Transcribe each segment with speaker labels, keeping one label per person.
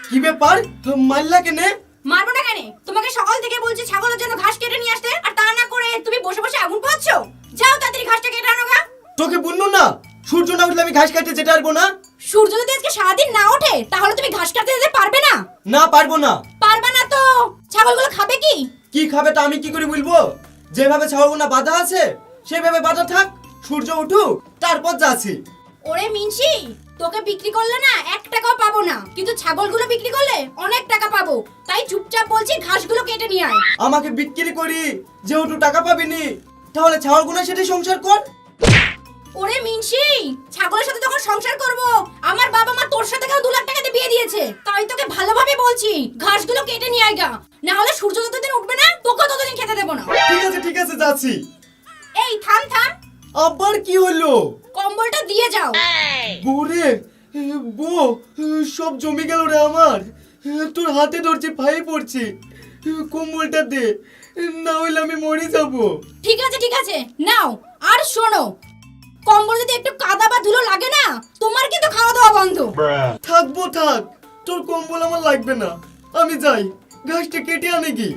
Speaker 1: কি ব্যাপার? মারলা কেনে?
Speaker 2: মারবো না কেন? তোমাকে সকাল থেকে বলছি ছাগলের জন্য ঘাস কেটে নিয়ে আসতে, আর তা না করে তুমি বসে বসে আগুন পোহাচ্ছো। যাও তাড়াতাড়ি ঘাসটা কেটে আনো গা।
Speaker 1: তোকে বললো না সূর্য না উঠলে আমি ঘাস কাটতে যেতে পারবো না?
Speaker 2: সূর্য যদি আজকে সারাদিন না ওঠে তাহলে তুমি ঘাস কাটতে যেতে পারবে না?
Speaker 1: না পারবো না।
Speaker 2: পারবে না তো ছাগলগুলো খাবে কি?
Speaker 1: কি খাবে তা আমি কি করে বলবো? যেভাবে ছাগলগুনা বাঁধা আছে সেভাবে বাঁধা থাক, সূর্য উঠুক তারপর যাচ্ছি।
Speaker 2: ওরে মিনসি, তোকে বিক্রি করলে না 1 টাকাও পাবো না, কিন্তু ছাগলগুলো বিক্রি করলে অনেক টাকা পাবো। তাই চুপচাপ বলছি ঘাসগুলো কেটে নিয়ে আয়।
Speaker 1: আমাকে বিক্রি করি যেহেতু টাকা পাবিনি, তাহলে ছাগলগুনা সেটা সংসার কর।
Speaker 2: ওরে মিনসি, ছাগলের সাথে যখন সংসার করব, আমার বাবা মা তোর সাথে কেন 2 লাখ টাকা দিয়ে বিয়ে দিয়েছে। তাই তোকে ভালোভাবে বলছি ঘাসগুলো কেটে নিয়ে আয় গা, না হলে সূর্য যতদিন উঠবে না তোকে ততদিন খেতে দেব না।
Speaker 1: ঠিক আছে যাচ্ছি।
Speaker 2: এই থাম থাম,
Speaker 1: আবার কি হলো?
Speaker 2: কম্বলটা দিয়ে যাও।
Speaker 1: বউরে, বউ, সব জমি গেল রে আমার। তোর হাতে ধরছি, পায়ে পড়ছি, কম্বলটা দে, না হইলে আমি মরে যাবো।
Speaker 2: ঠিক আছে নাও। আর শোনো, কম্বল যদি একটু কাদা বা ধুলো লাগে না, তোমার কিন্তু খাওয়া দাওয়া বন্ধ।
Speaker 1: থাকবো থাক, তোর কম্বল আমার লাগবে না। আমি যাই, ঘাসটা কেটে আনে কি।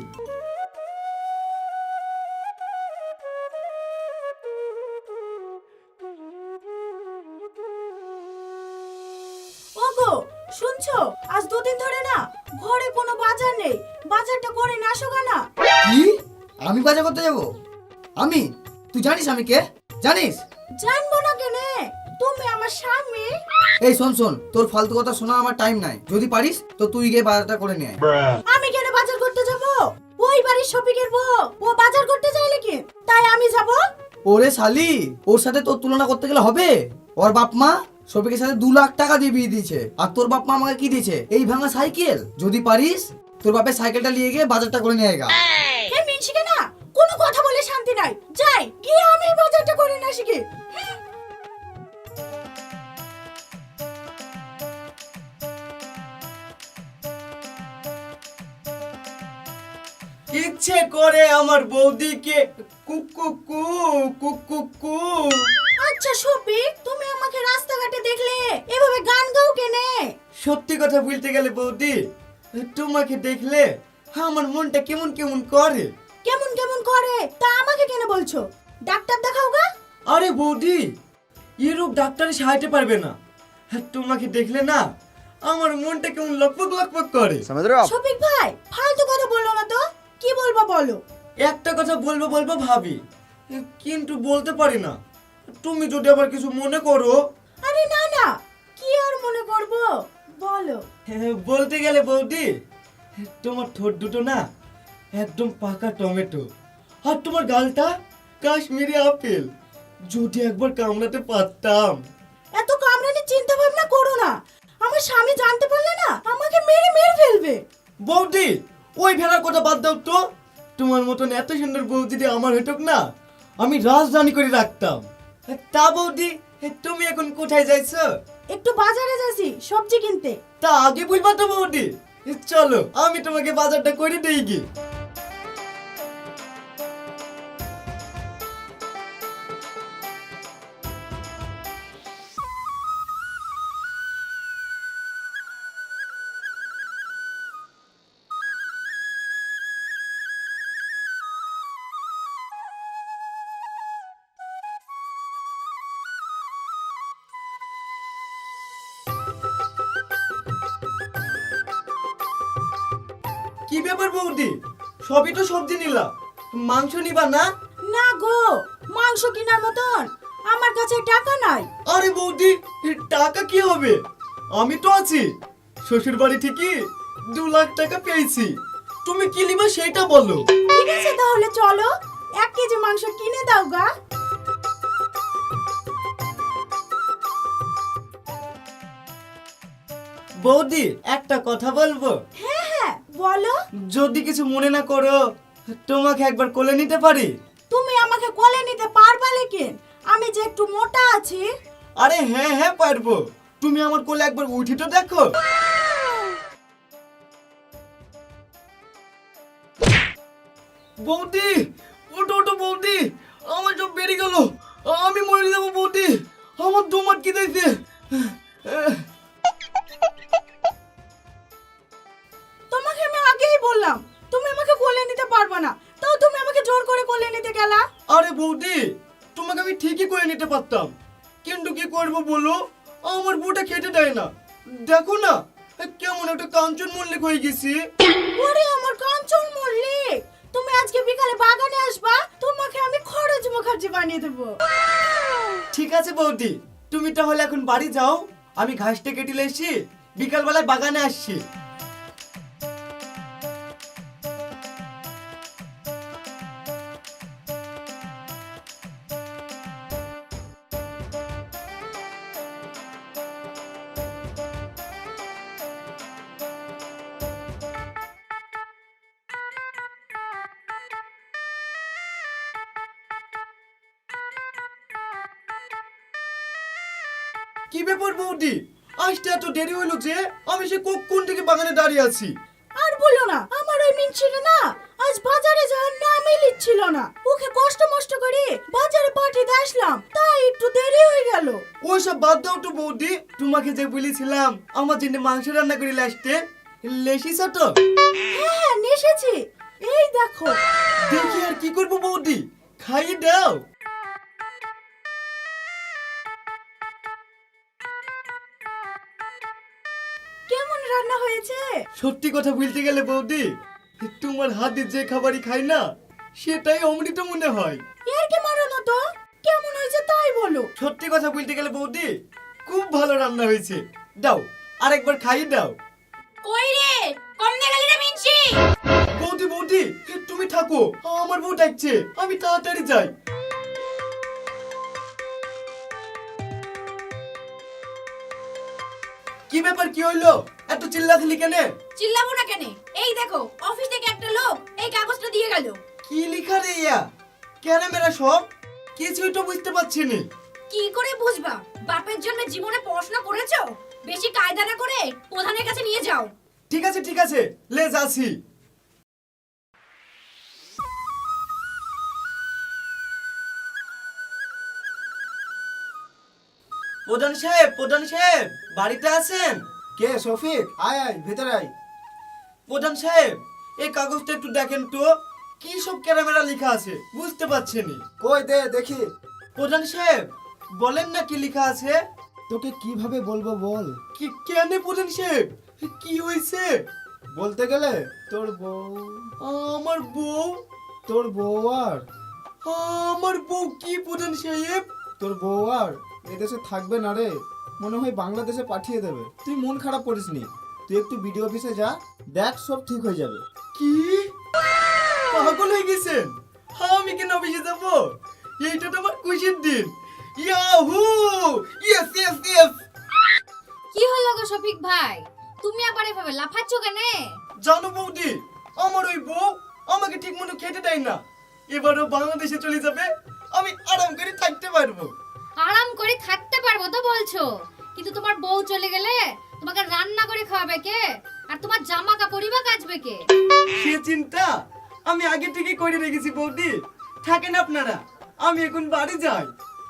Speaker 3: ওগো শুনছো, আজ 2 দিন ধরে না ঘরে কোনো বাজার নেই, বাজারটা করে না আসো না।
Speaker 4: কি? আমি বাজার করতে যাব? আমি? তুই জানিস আমি কে? জানিস?
Speaker 3: জানবো না কেনে, তুমি আমার স্বামী।
Speaker 4: এই শোন, তোর ফালতু কথা শোনা আমার টাইম নাই। যদি পারিস তো তুই গিয়ে বাজারটা করে নিয়ে আয়।
Speaker 3: আমি কেন বাজার করতে যাব? ওই বাড়ির শপিংয়ের বউ ও বাজার করতে চাইলে কি তাই আমি যাব?
Speaker 4: ওরে শালি, ওর সাথে তোর তুলনা করতে গেলে হবে? ওর বাপ মা শফিকের সাথে 2 লাখ টাকা দিয়ে বিয়ে দিয়েছে, আর তোর বাপ মা আমাকে কি দিয়েছে? এই ভাঙা সাইকেল। যদি পারিস তোর বাপের সাইকেলটা নিয়ে গিয়ে বাজারটা করে নিয়ে আয়।
Speaker 3: হে মিনসিকে না কোনো কথা বলে শান্তি নাই, যাই গিয়ে আমি বাজারটা করে না শিখি।
Speaker 1: ইচ্ছে করে আমার বৌদিকে কুকুকু কুকুকু।
Speaker 3: আচ্ছা শফিক, তুমি আমাকে রাস্তাঘাটে দেখলে এভাবে গান গাও কেনে?
Speaker 1: সত্যি কথা বলতে গেলে বৌদি, তোমাকে দেখলে আমার মনটা কেমন কেমন করে।
Speaker 3: কেমন কেমন করে তা আমাকে কেন বলছো? ডাক্তার দেখাও গা।
Speaker 1: আরে বৌদি, এরূপ ডাক্তারে সাহায্য পারবে না। তোমাকে দেখলে না আমার মনটা কেমন লকপক লকপক করে।
Speaker 3: শফিক ভাই ফালতু কথা বললো না তো, কি বলবো বলো।
Speaker 1: একটা কথা বলবো ভাবি, কিন্তু বলতে পারি না। তুমি যদি আবার কিছু মনে করো।
Speaker 3: আরে না না, কি আর মনে করব, বলো।
Speaker 1: বলতে গেলে বৌদি, তোমার ঠোঁট দুটো না একদম পাকা টমেটো, আর তোমার গালটা কাশ্মীরি আপেল। যদি একবার কামড়াতে পারতাম।
Speaker 3: এত কামড়ানি চিন্তা ভাবনা করো না, আমার স্বামী জানতে পারলে না আমাকে মেরে মেরে ফেলবে।
Speaker 1: বৌদি, ওই ভেড়ার কথা বাদ দাও তো। তোমার মতন এত সুন্দর বউ যদি আমার হইতো না, আমি রাজধানী করে রাখতাম। তা বৌদি, তুমি এখন কোথায় যাইছো?
Speaker 3: একটু বাজারে যাচ্ছি সবজি কিনতে।
Speaker 1: তা আগে বলবা তো বৌদি। চলো আমি তোমাকে বাজারটা করে দেই কি। কি ব্যাপার বৌদি, সবই তো সবজি নিলা, মাংস নিবা না?
Speaker 3: না গো, মাংস কেনার মতন আমার কাছে টাকা নাই।
Speaker 1: আরে বৌদি, টাকা কি হবে? আমি তো আছি। শ্বশুর বাড়ি থেকে 2 লাখ টাকা পেয়েছি। তুমি কি নিবা সেটা বলো।
Speaker 3: ঠিক আছে তাহলে চলো 1 কেজি মাংস কিনে দাও গা।
Speaker 1: বৌদি, একটা কথা বলবো?
Speaker 3: হ্যাঁ হ্যাঁ বলো।
Speaker 1: যদি কিছু মনে না করো, তোমাকে একবার কোলে নিতে পারি?
Speaker 3: তুমি আমাকে কোলে নিতে পারবা লেকিন আমি যে একটু মোটা আছি।
Speaker 1: আরে হ্যাঁ পারবো। তুমি আমার কোলে একবার উঠি তো দেখো। বৌদি, ওটো বৌদি, আমার সব বেরিয়ে গেল। আমি মরে যাবো বৌদি, আমার দম আটকে দিয়েছে। ঠিকই করে নিতে পারতাম, কিন্তু কি করব বলো, আমার বউটা খেতে দেয় না। দেখো না কেমন একটা কাঞ্চন মল্লিক হয়ে গেছি।
Speaker 3: ওরে আমার কাঞ্চন মল্লিক, তুমি আজকে বিকালে বাগানে আসবা, তোমাকে আমি খরচ মুখার্জি বানিয়ে দেবো।
Speaker 1: ঠিক আছে বৌদি, তুমি তাহলে এখন বাড়ি যাও, আমি ঘাসটা কেটে এসেছি, বিকালবেলায় বাগানে আসছি। কি ব্যাপার বৌদি, আসতে এত দেরি হলো যে? আমি সে কখন থেকে বাগানে দাঁড়িয়ে আছি।
Speaker 3: আর বলো না, আমার ওই মিনছিটা না আজ বাজারে যাওয়ার নামই লিখছিল না। ওকে কষ্ট মষ্ট করে বাজারে পাঠিয়ে আসলাম, তাই একটু দেরি হয়ে গেল।
Speaker 1: ওইসব বাদ দাও তো বৌদি, তোমাকে যে বলেছিলাম আমার জন্য মাংস রান্না করে আসতে, লেসিস তো?
Speaker 3: হ্যাঁ হ্যাঁ নেশেছি, এই দেখো।
Speaker 1: দেখি আর কি করবো বৌদি, খাইয়ে দাও।
Speaker 3: কেমন রান্না হয়েছে?
Speaker 1: সত্যি কথা বলতে গেলে বৌদি, তোমার হাতে যে খাবারই খাই না সেটাই অমৃত মনে হয়।
Speaker 3: এর কি মারানো তো, কেমন হয়েছে তাই বলো।
Speaker 1: সত্যি কথা বলতে গেলে বৌদি, খুব ভালো রান্না হয়েছে। দাও আরেকবার খাইয়ে দাও।
Speaker 2: কই রে, কম দে গেলি রে মিনসি।
Speaker 1: বৌদি বৌদি তুমি থাকো, আমার বউ ডাকছে, আমি তাড়াতাড়ি যাই। কি ব্যাপার, কি হইলো, এত চিল্লাচিল্লি কেন?
Speaker 2: চিল্লাবো না কেন? এই দেখো, অফিস থেকে একটা লোক এই কাগজটা দিয়ে গেল।
Speaker 1: কি লিখা রে ইয়া? কেন মেরা সব কিছুই তো বুঝতে পারছি না।
Speaker 2: কি করে বুঝবা? বাপের জন্য জীবনে পড়াশোনা করেছো? বেশি কায়দা না করে প্রধানের কাছে নিয়ে যাও।
Speaker 1: ঠিক আছে ঠিক আছে, লে যাচ্ছি। প্রধান সাহেব, প্রধান সাহেব বাড়িতে আছেন?
Speaker 5: কে শফিক? আয় আয় ভেতরে আয়।
Speaker 1: প্রধান সাহেব এই কাগজটা একটু দেখেন তো, কি সব ক্যারামেরা লেখা আছে বুঝতে পারছি না।
Speaker 5: কই দে দেখি।
Speaker 1: প্রধান সাহেব বলেন না কি লেখা আছে।
Speaker 5: তোকে কিভাবে বলবো বল?
Speaker 1: কি কেন প্রধান সাহেব, কি হয়েছে?
Speaker 5: বলতে গেলে তোর বউ,
Speaker 1: আমার বউ?
Speaker 5: তোর বউ আর
Speaker 1: আমার বউ কি প্রধান সাহেব?
Speaker 5: তোর বউ আর এদেশে থাকবে না রে, মনে হয় বাংলাদেশে পাঠিয়ে দেবে। তুই মন খারাপ করিস নি, তুই একটু বিডিও অফিসে যা, দেখ সব ঠিক হয়ে যাবে।
Speaker 1: কি পাগল হয়ে গেছেন? আমি কেন অফিসে যাব? এইটা তো আমার খুশির দিন। Yahoo, yes yes yes.
Speaker 2: কি হলো গো শফিক ভাই, তুমি আবার এভাবে লাফাচ্ছ কেন?
Speaker 1: জানো বৌদি, আমার ওই বউ আমাকে ঠিক মতো খেতে দেয় না। এবারও বাংলাদেশে চলে যাবে, আমি আরাম করে থাকতে পারবো।
Speaker 6: আরাম করে থাকতে পারবো তো বলছো, কিন্তু তোমার বউ চলে গেলে তোমাকে রান্না করে খাওয়াবে কে? আর তোমার জামা কাপড়ই বা কাচবে কে?
Speaker 1: সে চিন্তা আমি আগে থেকে করে রেখেছি বৌদি, থাকেন আপনারা, আমি এখন বাড়ি যাই।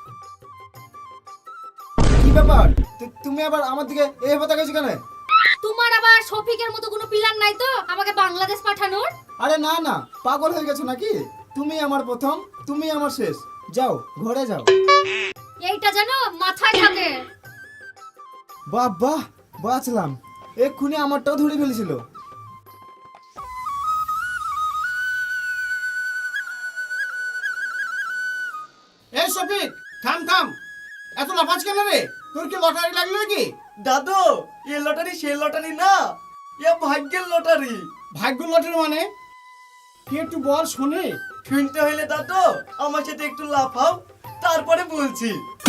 Speaker 5: কি ব্যাপার, তুমি আবার আমার দিকে এইভাবে তাকাইছো কেন?
Speaker 6: তোমার আবার শফিকের মতো কোনো প্ল্যান নাই তো আমাকে বাংলাদেশ পাঠানোর?
Speaker 5: আরে না না, পাগল হয়ে গেছো নাকি? তুমি আমার প্রথম, তুমি আমার শেষ। যাও ঘরে যাও।
Speaker 6: এইটা যেন মাথায় থাকে।
Speaker 5: বাহ বাহ, বাঁচলাম, এক্ষুনি আমারটাও ধরে ফেলেছিল। এই শফিক, থাম থাম, এত লাফাজ কেন রে? তোর কি লটারি লাগলো নাকি?
Speaker 1: দাদু এ লটারি সে লটারি না, এ ভাগ্যের লটারি।
Speaker 5: ভাগ্য লটারি মানে কি একটু বল শুনে।
Speaker 1: শুনতে হইলে দাদু আমার সাথে একটু লাফাও, তারপরে বলছি।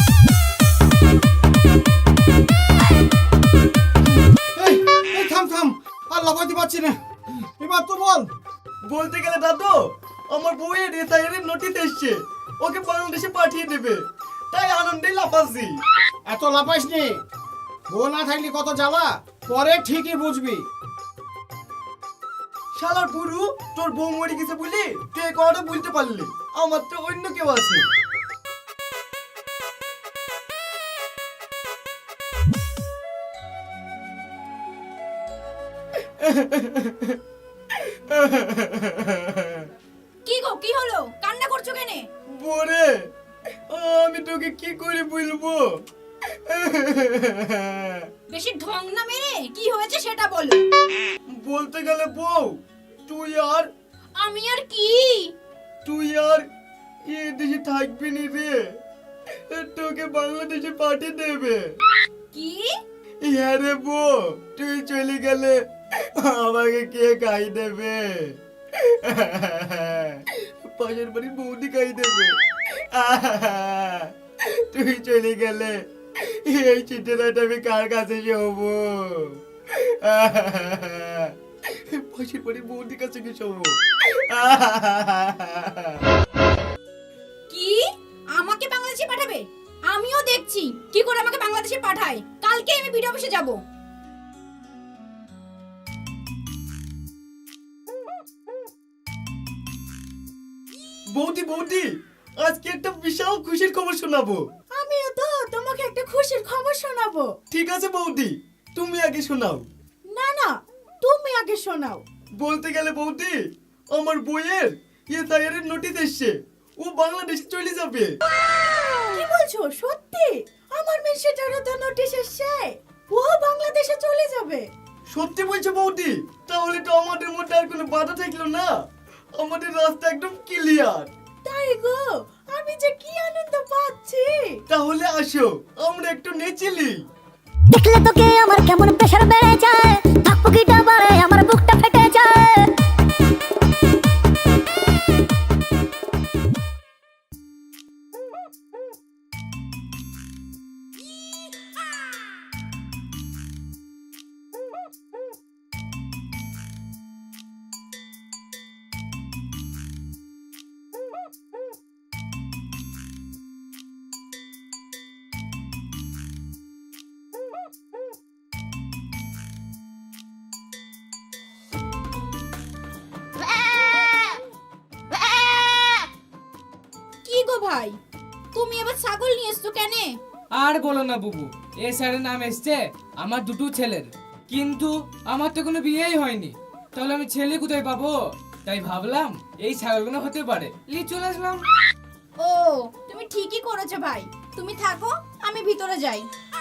Speaker 5: এই এই থাম থাম, আর লাফাতে পারছি না, এবার তো বল।
Speaker 1: বলতে গেলে দাদু আমার বউয়ের রিটায়ারের নোটিশ এসছে, ওকে বাংলাদেশে পাঠিয়ে দেবে, তাই আনন্দে লাফাচ্ছি।
Speaker 5: এত লাফাইস নি, বউ না থাকলে কত জ্বালা, পরে ঠিকই বুঝবি।
Speaker 1: শালার পুরু, তোর বউ মরে গেছে বলি তুই এই কথাটা বলতে পারলি, আমার তো অন্য কেউ আছে।
Speaker 2: কি গো, কি হলো? কান্না করছো কেন?
Speaker 1: বরে আমি তোকে কি করে বলবো?
Speaker 2: বেশি ঢং না মেরে কি হয়েছে সেটা বলো।
Speaker 1: বলতে গেলে বউ, তুই আর
Speaker 2: আমি আর কি?
Speaker 1: এ দেশে থাকবি নি রে, তোকে বাংলাদেশে পাঠিয়ে দেবে।
Speaker 2: কি?
Speaker 1: হ্যাঁ রে বউ, তুই চলে গেলে আমাকে কে খাই দেবে? পাশের বাড়ির বৌদি খাই দেবে। তুই চলে গেলে এই চিঠিটা আমি কার কাছে শোবো? পাশের বাড়ির বৌদির কাছে কি শোবো?
Speaker 2: কি আমাকে বাংলাদেশে পাঠাবে? আমিও দেখছি কি করে আমাকে বাংলাদেশে পাঠায়। কালকে আমি বিডিও অফিসে যাব।
Speaker 1: বৌদি, আজকে একটা বিশাল খুশির খবর শোনাবো।
Speaker 3: আমিও তো তোমাকে একটা খুশির খবর শোনাবো।
Speaker 1: ঠিক আছে বৌদি, তুমি আগে শোনাও।
Speaker 3: না না, তুমি আগে শোনাও।
Speaker 1: বলতে গেলে বৌদি, আমার বইয়ের এর নোটিশ এসছে, ও বাংলাদেশে চলে যাবে।
Speaker 3: কি বলছো? সত্যি? আমার মেয়ে সেটারও তো নোটিশ এসেছে, ও বাংলাদেশে চলে যাবে।
Speaker 1: সত্যি বলছো বৌদি? তাহলে তো আমাদের মধ্যে আর কোনো বাধা থাকলো না, আমাদের রাস্তা একদম ক্লিয়ার।
Speaker 3: তাই গো, আমি যে কি আনন্দ পাচ্ছি।
Speaker 1: তাহলে আসো আমরা একটু নেচেলি।
Speaker 7: দেখলে তোকে আমার কেমন প্রেশার বেড়ে যায়, ধাকপুকিটা বাড়ে আমার বুকটা ফেটে যায়।
Speaker 2: কি গো ভাই, তুমি এবার ছাগল নিয়ে এসছো কেন?
Speaker 8: আর বলো না বুবু, এ স্যারের নাম এসছে আমার দুটো ছেলের, কিন্তু আমার তো কোনো বিয়েই হয়নি, তাহলে আমি ছেলে কোথায় পাবো? তাই ভাবলাম এই ছাগলগুলো হতে পারে, চলে আসলাম।
Speaker 2: ও, তুমি ঠিকই করেছো ভাই। তুমি থাকো, আমি ভিতরে যাই।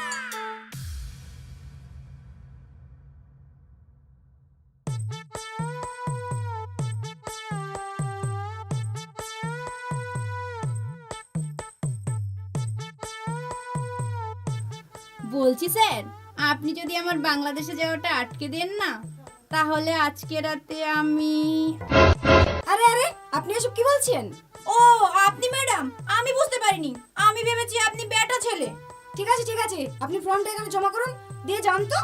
Speaker 2: বলছি স্যার, আপনি যদি আমার বাংলাদেশে যাওয়াটা আটকে দেন না, তাহলে আজকে রাতে আমি... আরে আরে, আপনি এসব কি বলছেন? ও, আপনি ম্যাডাম, আমি বুঝতে পারিনি। আমি ভেবেছি আপনি বেটা ছেলে। ঠিক আছে, আপনি ফর্মটা এখানে জমা করুন, দিয়ে যান তো।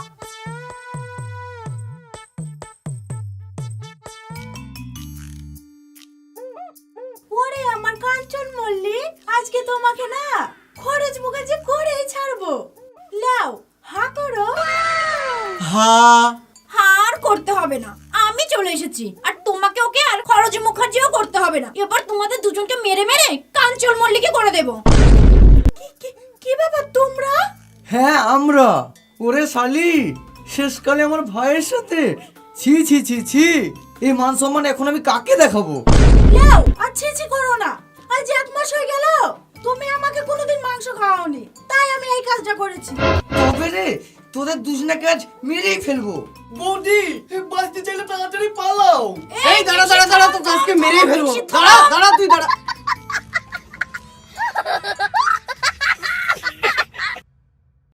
Speaker 3: ওরে আমার কাঞ্চন মল্লিক, আজকে তোমাকে না খরচ মুখার্জি করেই ছাড়বো। লাও, হা করো।
Speaker 2: হার করতে হবে না, আমি চলে এসেছি। আর তোমাকে ওকে আর খরচ মুখার্জিও করতে হবে না। এবার তোমাদের দুজনকে মেরে মেরে কাঞ্চন মল্লিকই করে দেব।
Speaker 3: কি ব্যাপার তোমরা?
Speaker 4: হ্যাঁ আমরা। ওরে শালি, শেষকালে আমার ভাইয়ের সাথে ছি ছি ছি ছি, এই মান সম্মান এখন আমি কাকে দেখাবো?
Speaker 3: লাও, আর ছি করো না। আজ 1 মাস হয়ে গেল তুমি আমাকে কোনোদিন মাংস খাওয়াওনি, তাই আমি এই কাজটা করেছি।
Speaker 4: তবে রে, তোদের দুজনাকে আজ মেরেই ফেলবো।
Speaker 1: বৌদি, বাঁচতে চাইলে তাড়াতাড়ি পালাও।
Speaker 4: এই দাঁড়া, তোকে আজকে মেরেই ফেলবো। দাঁড়া তুই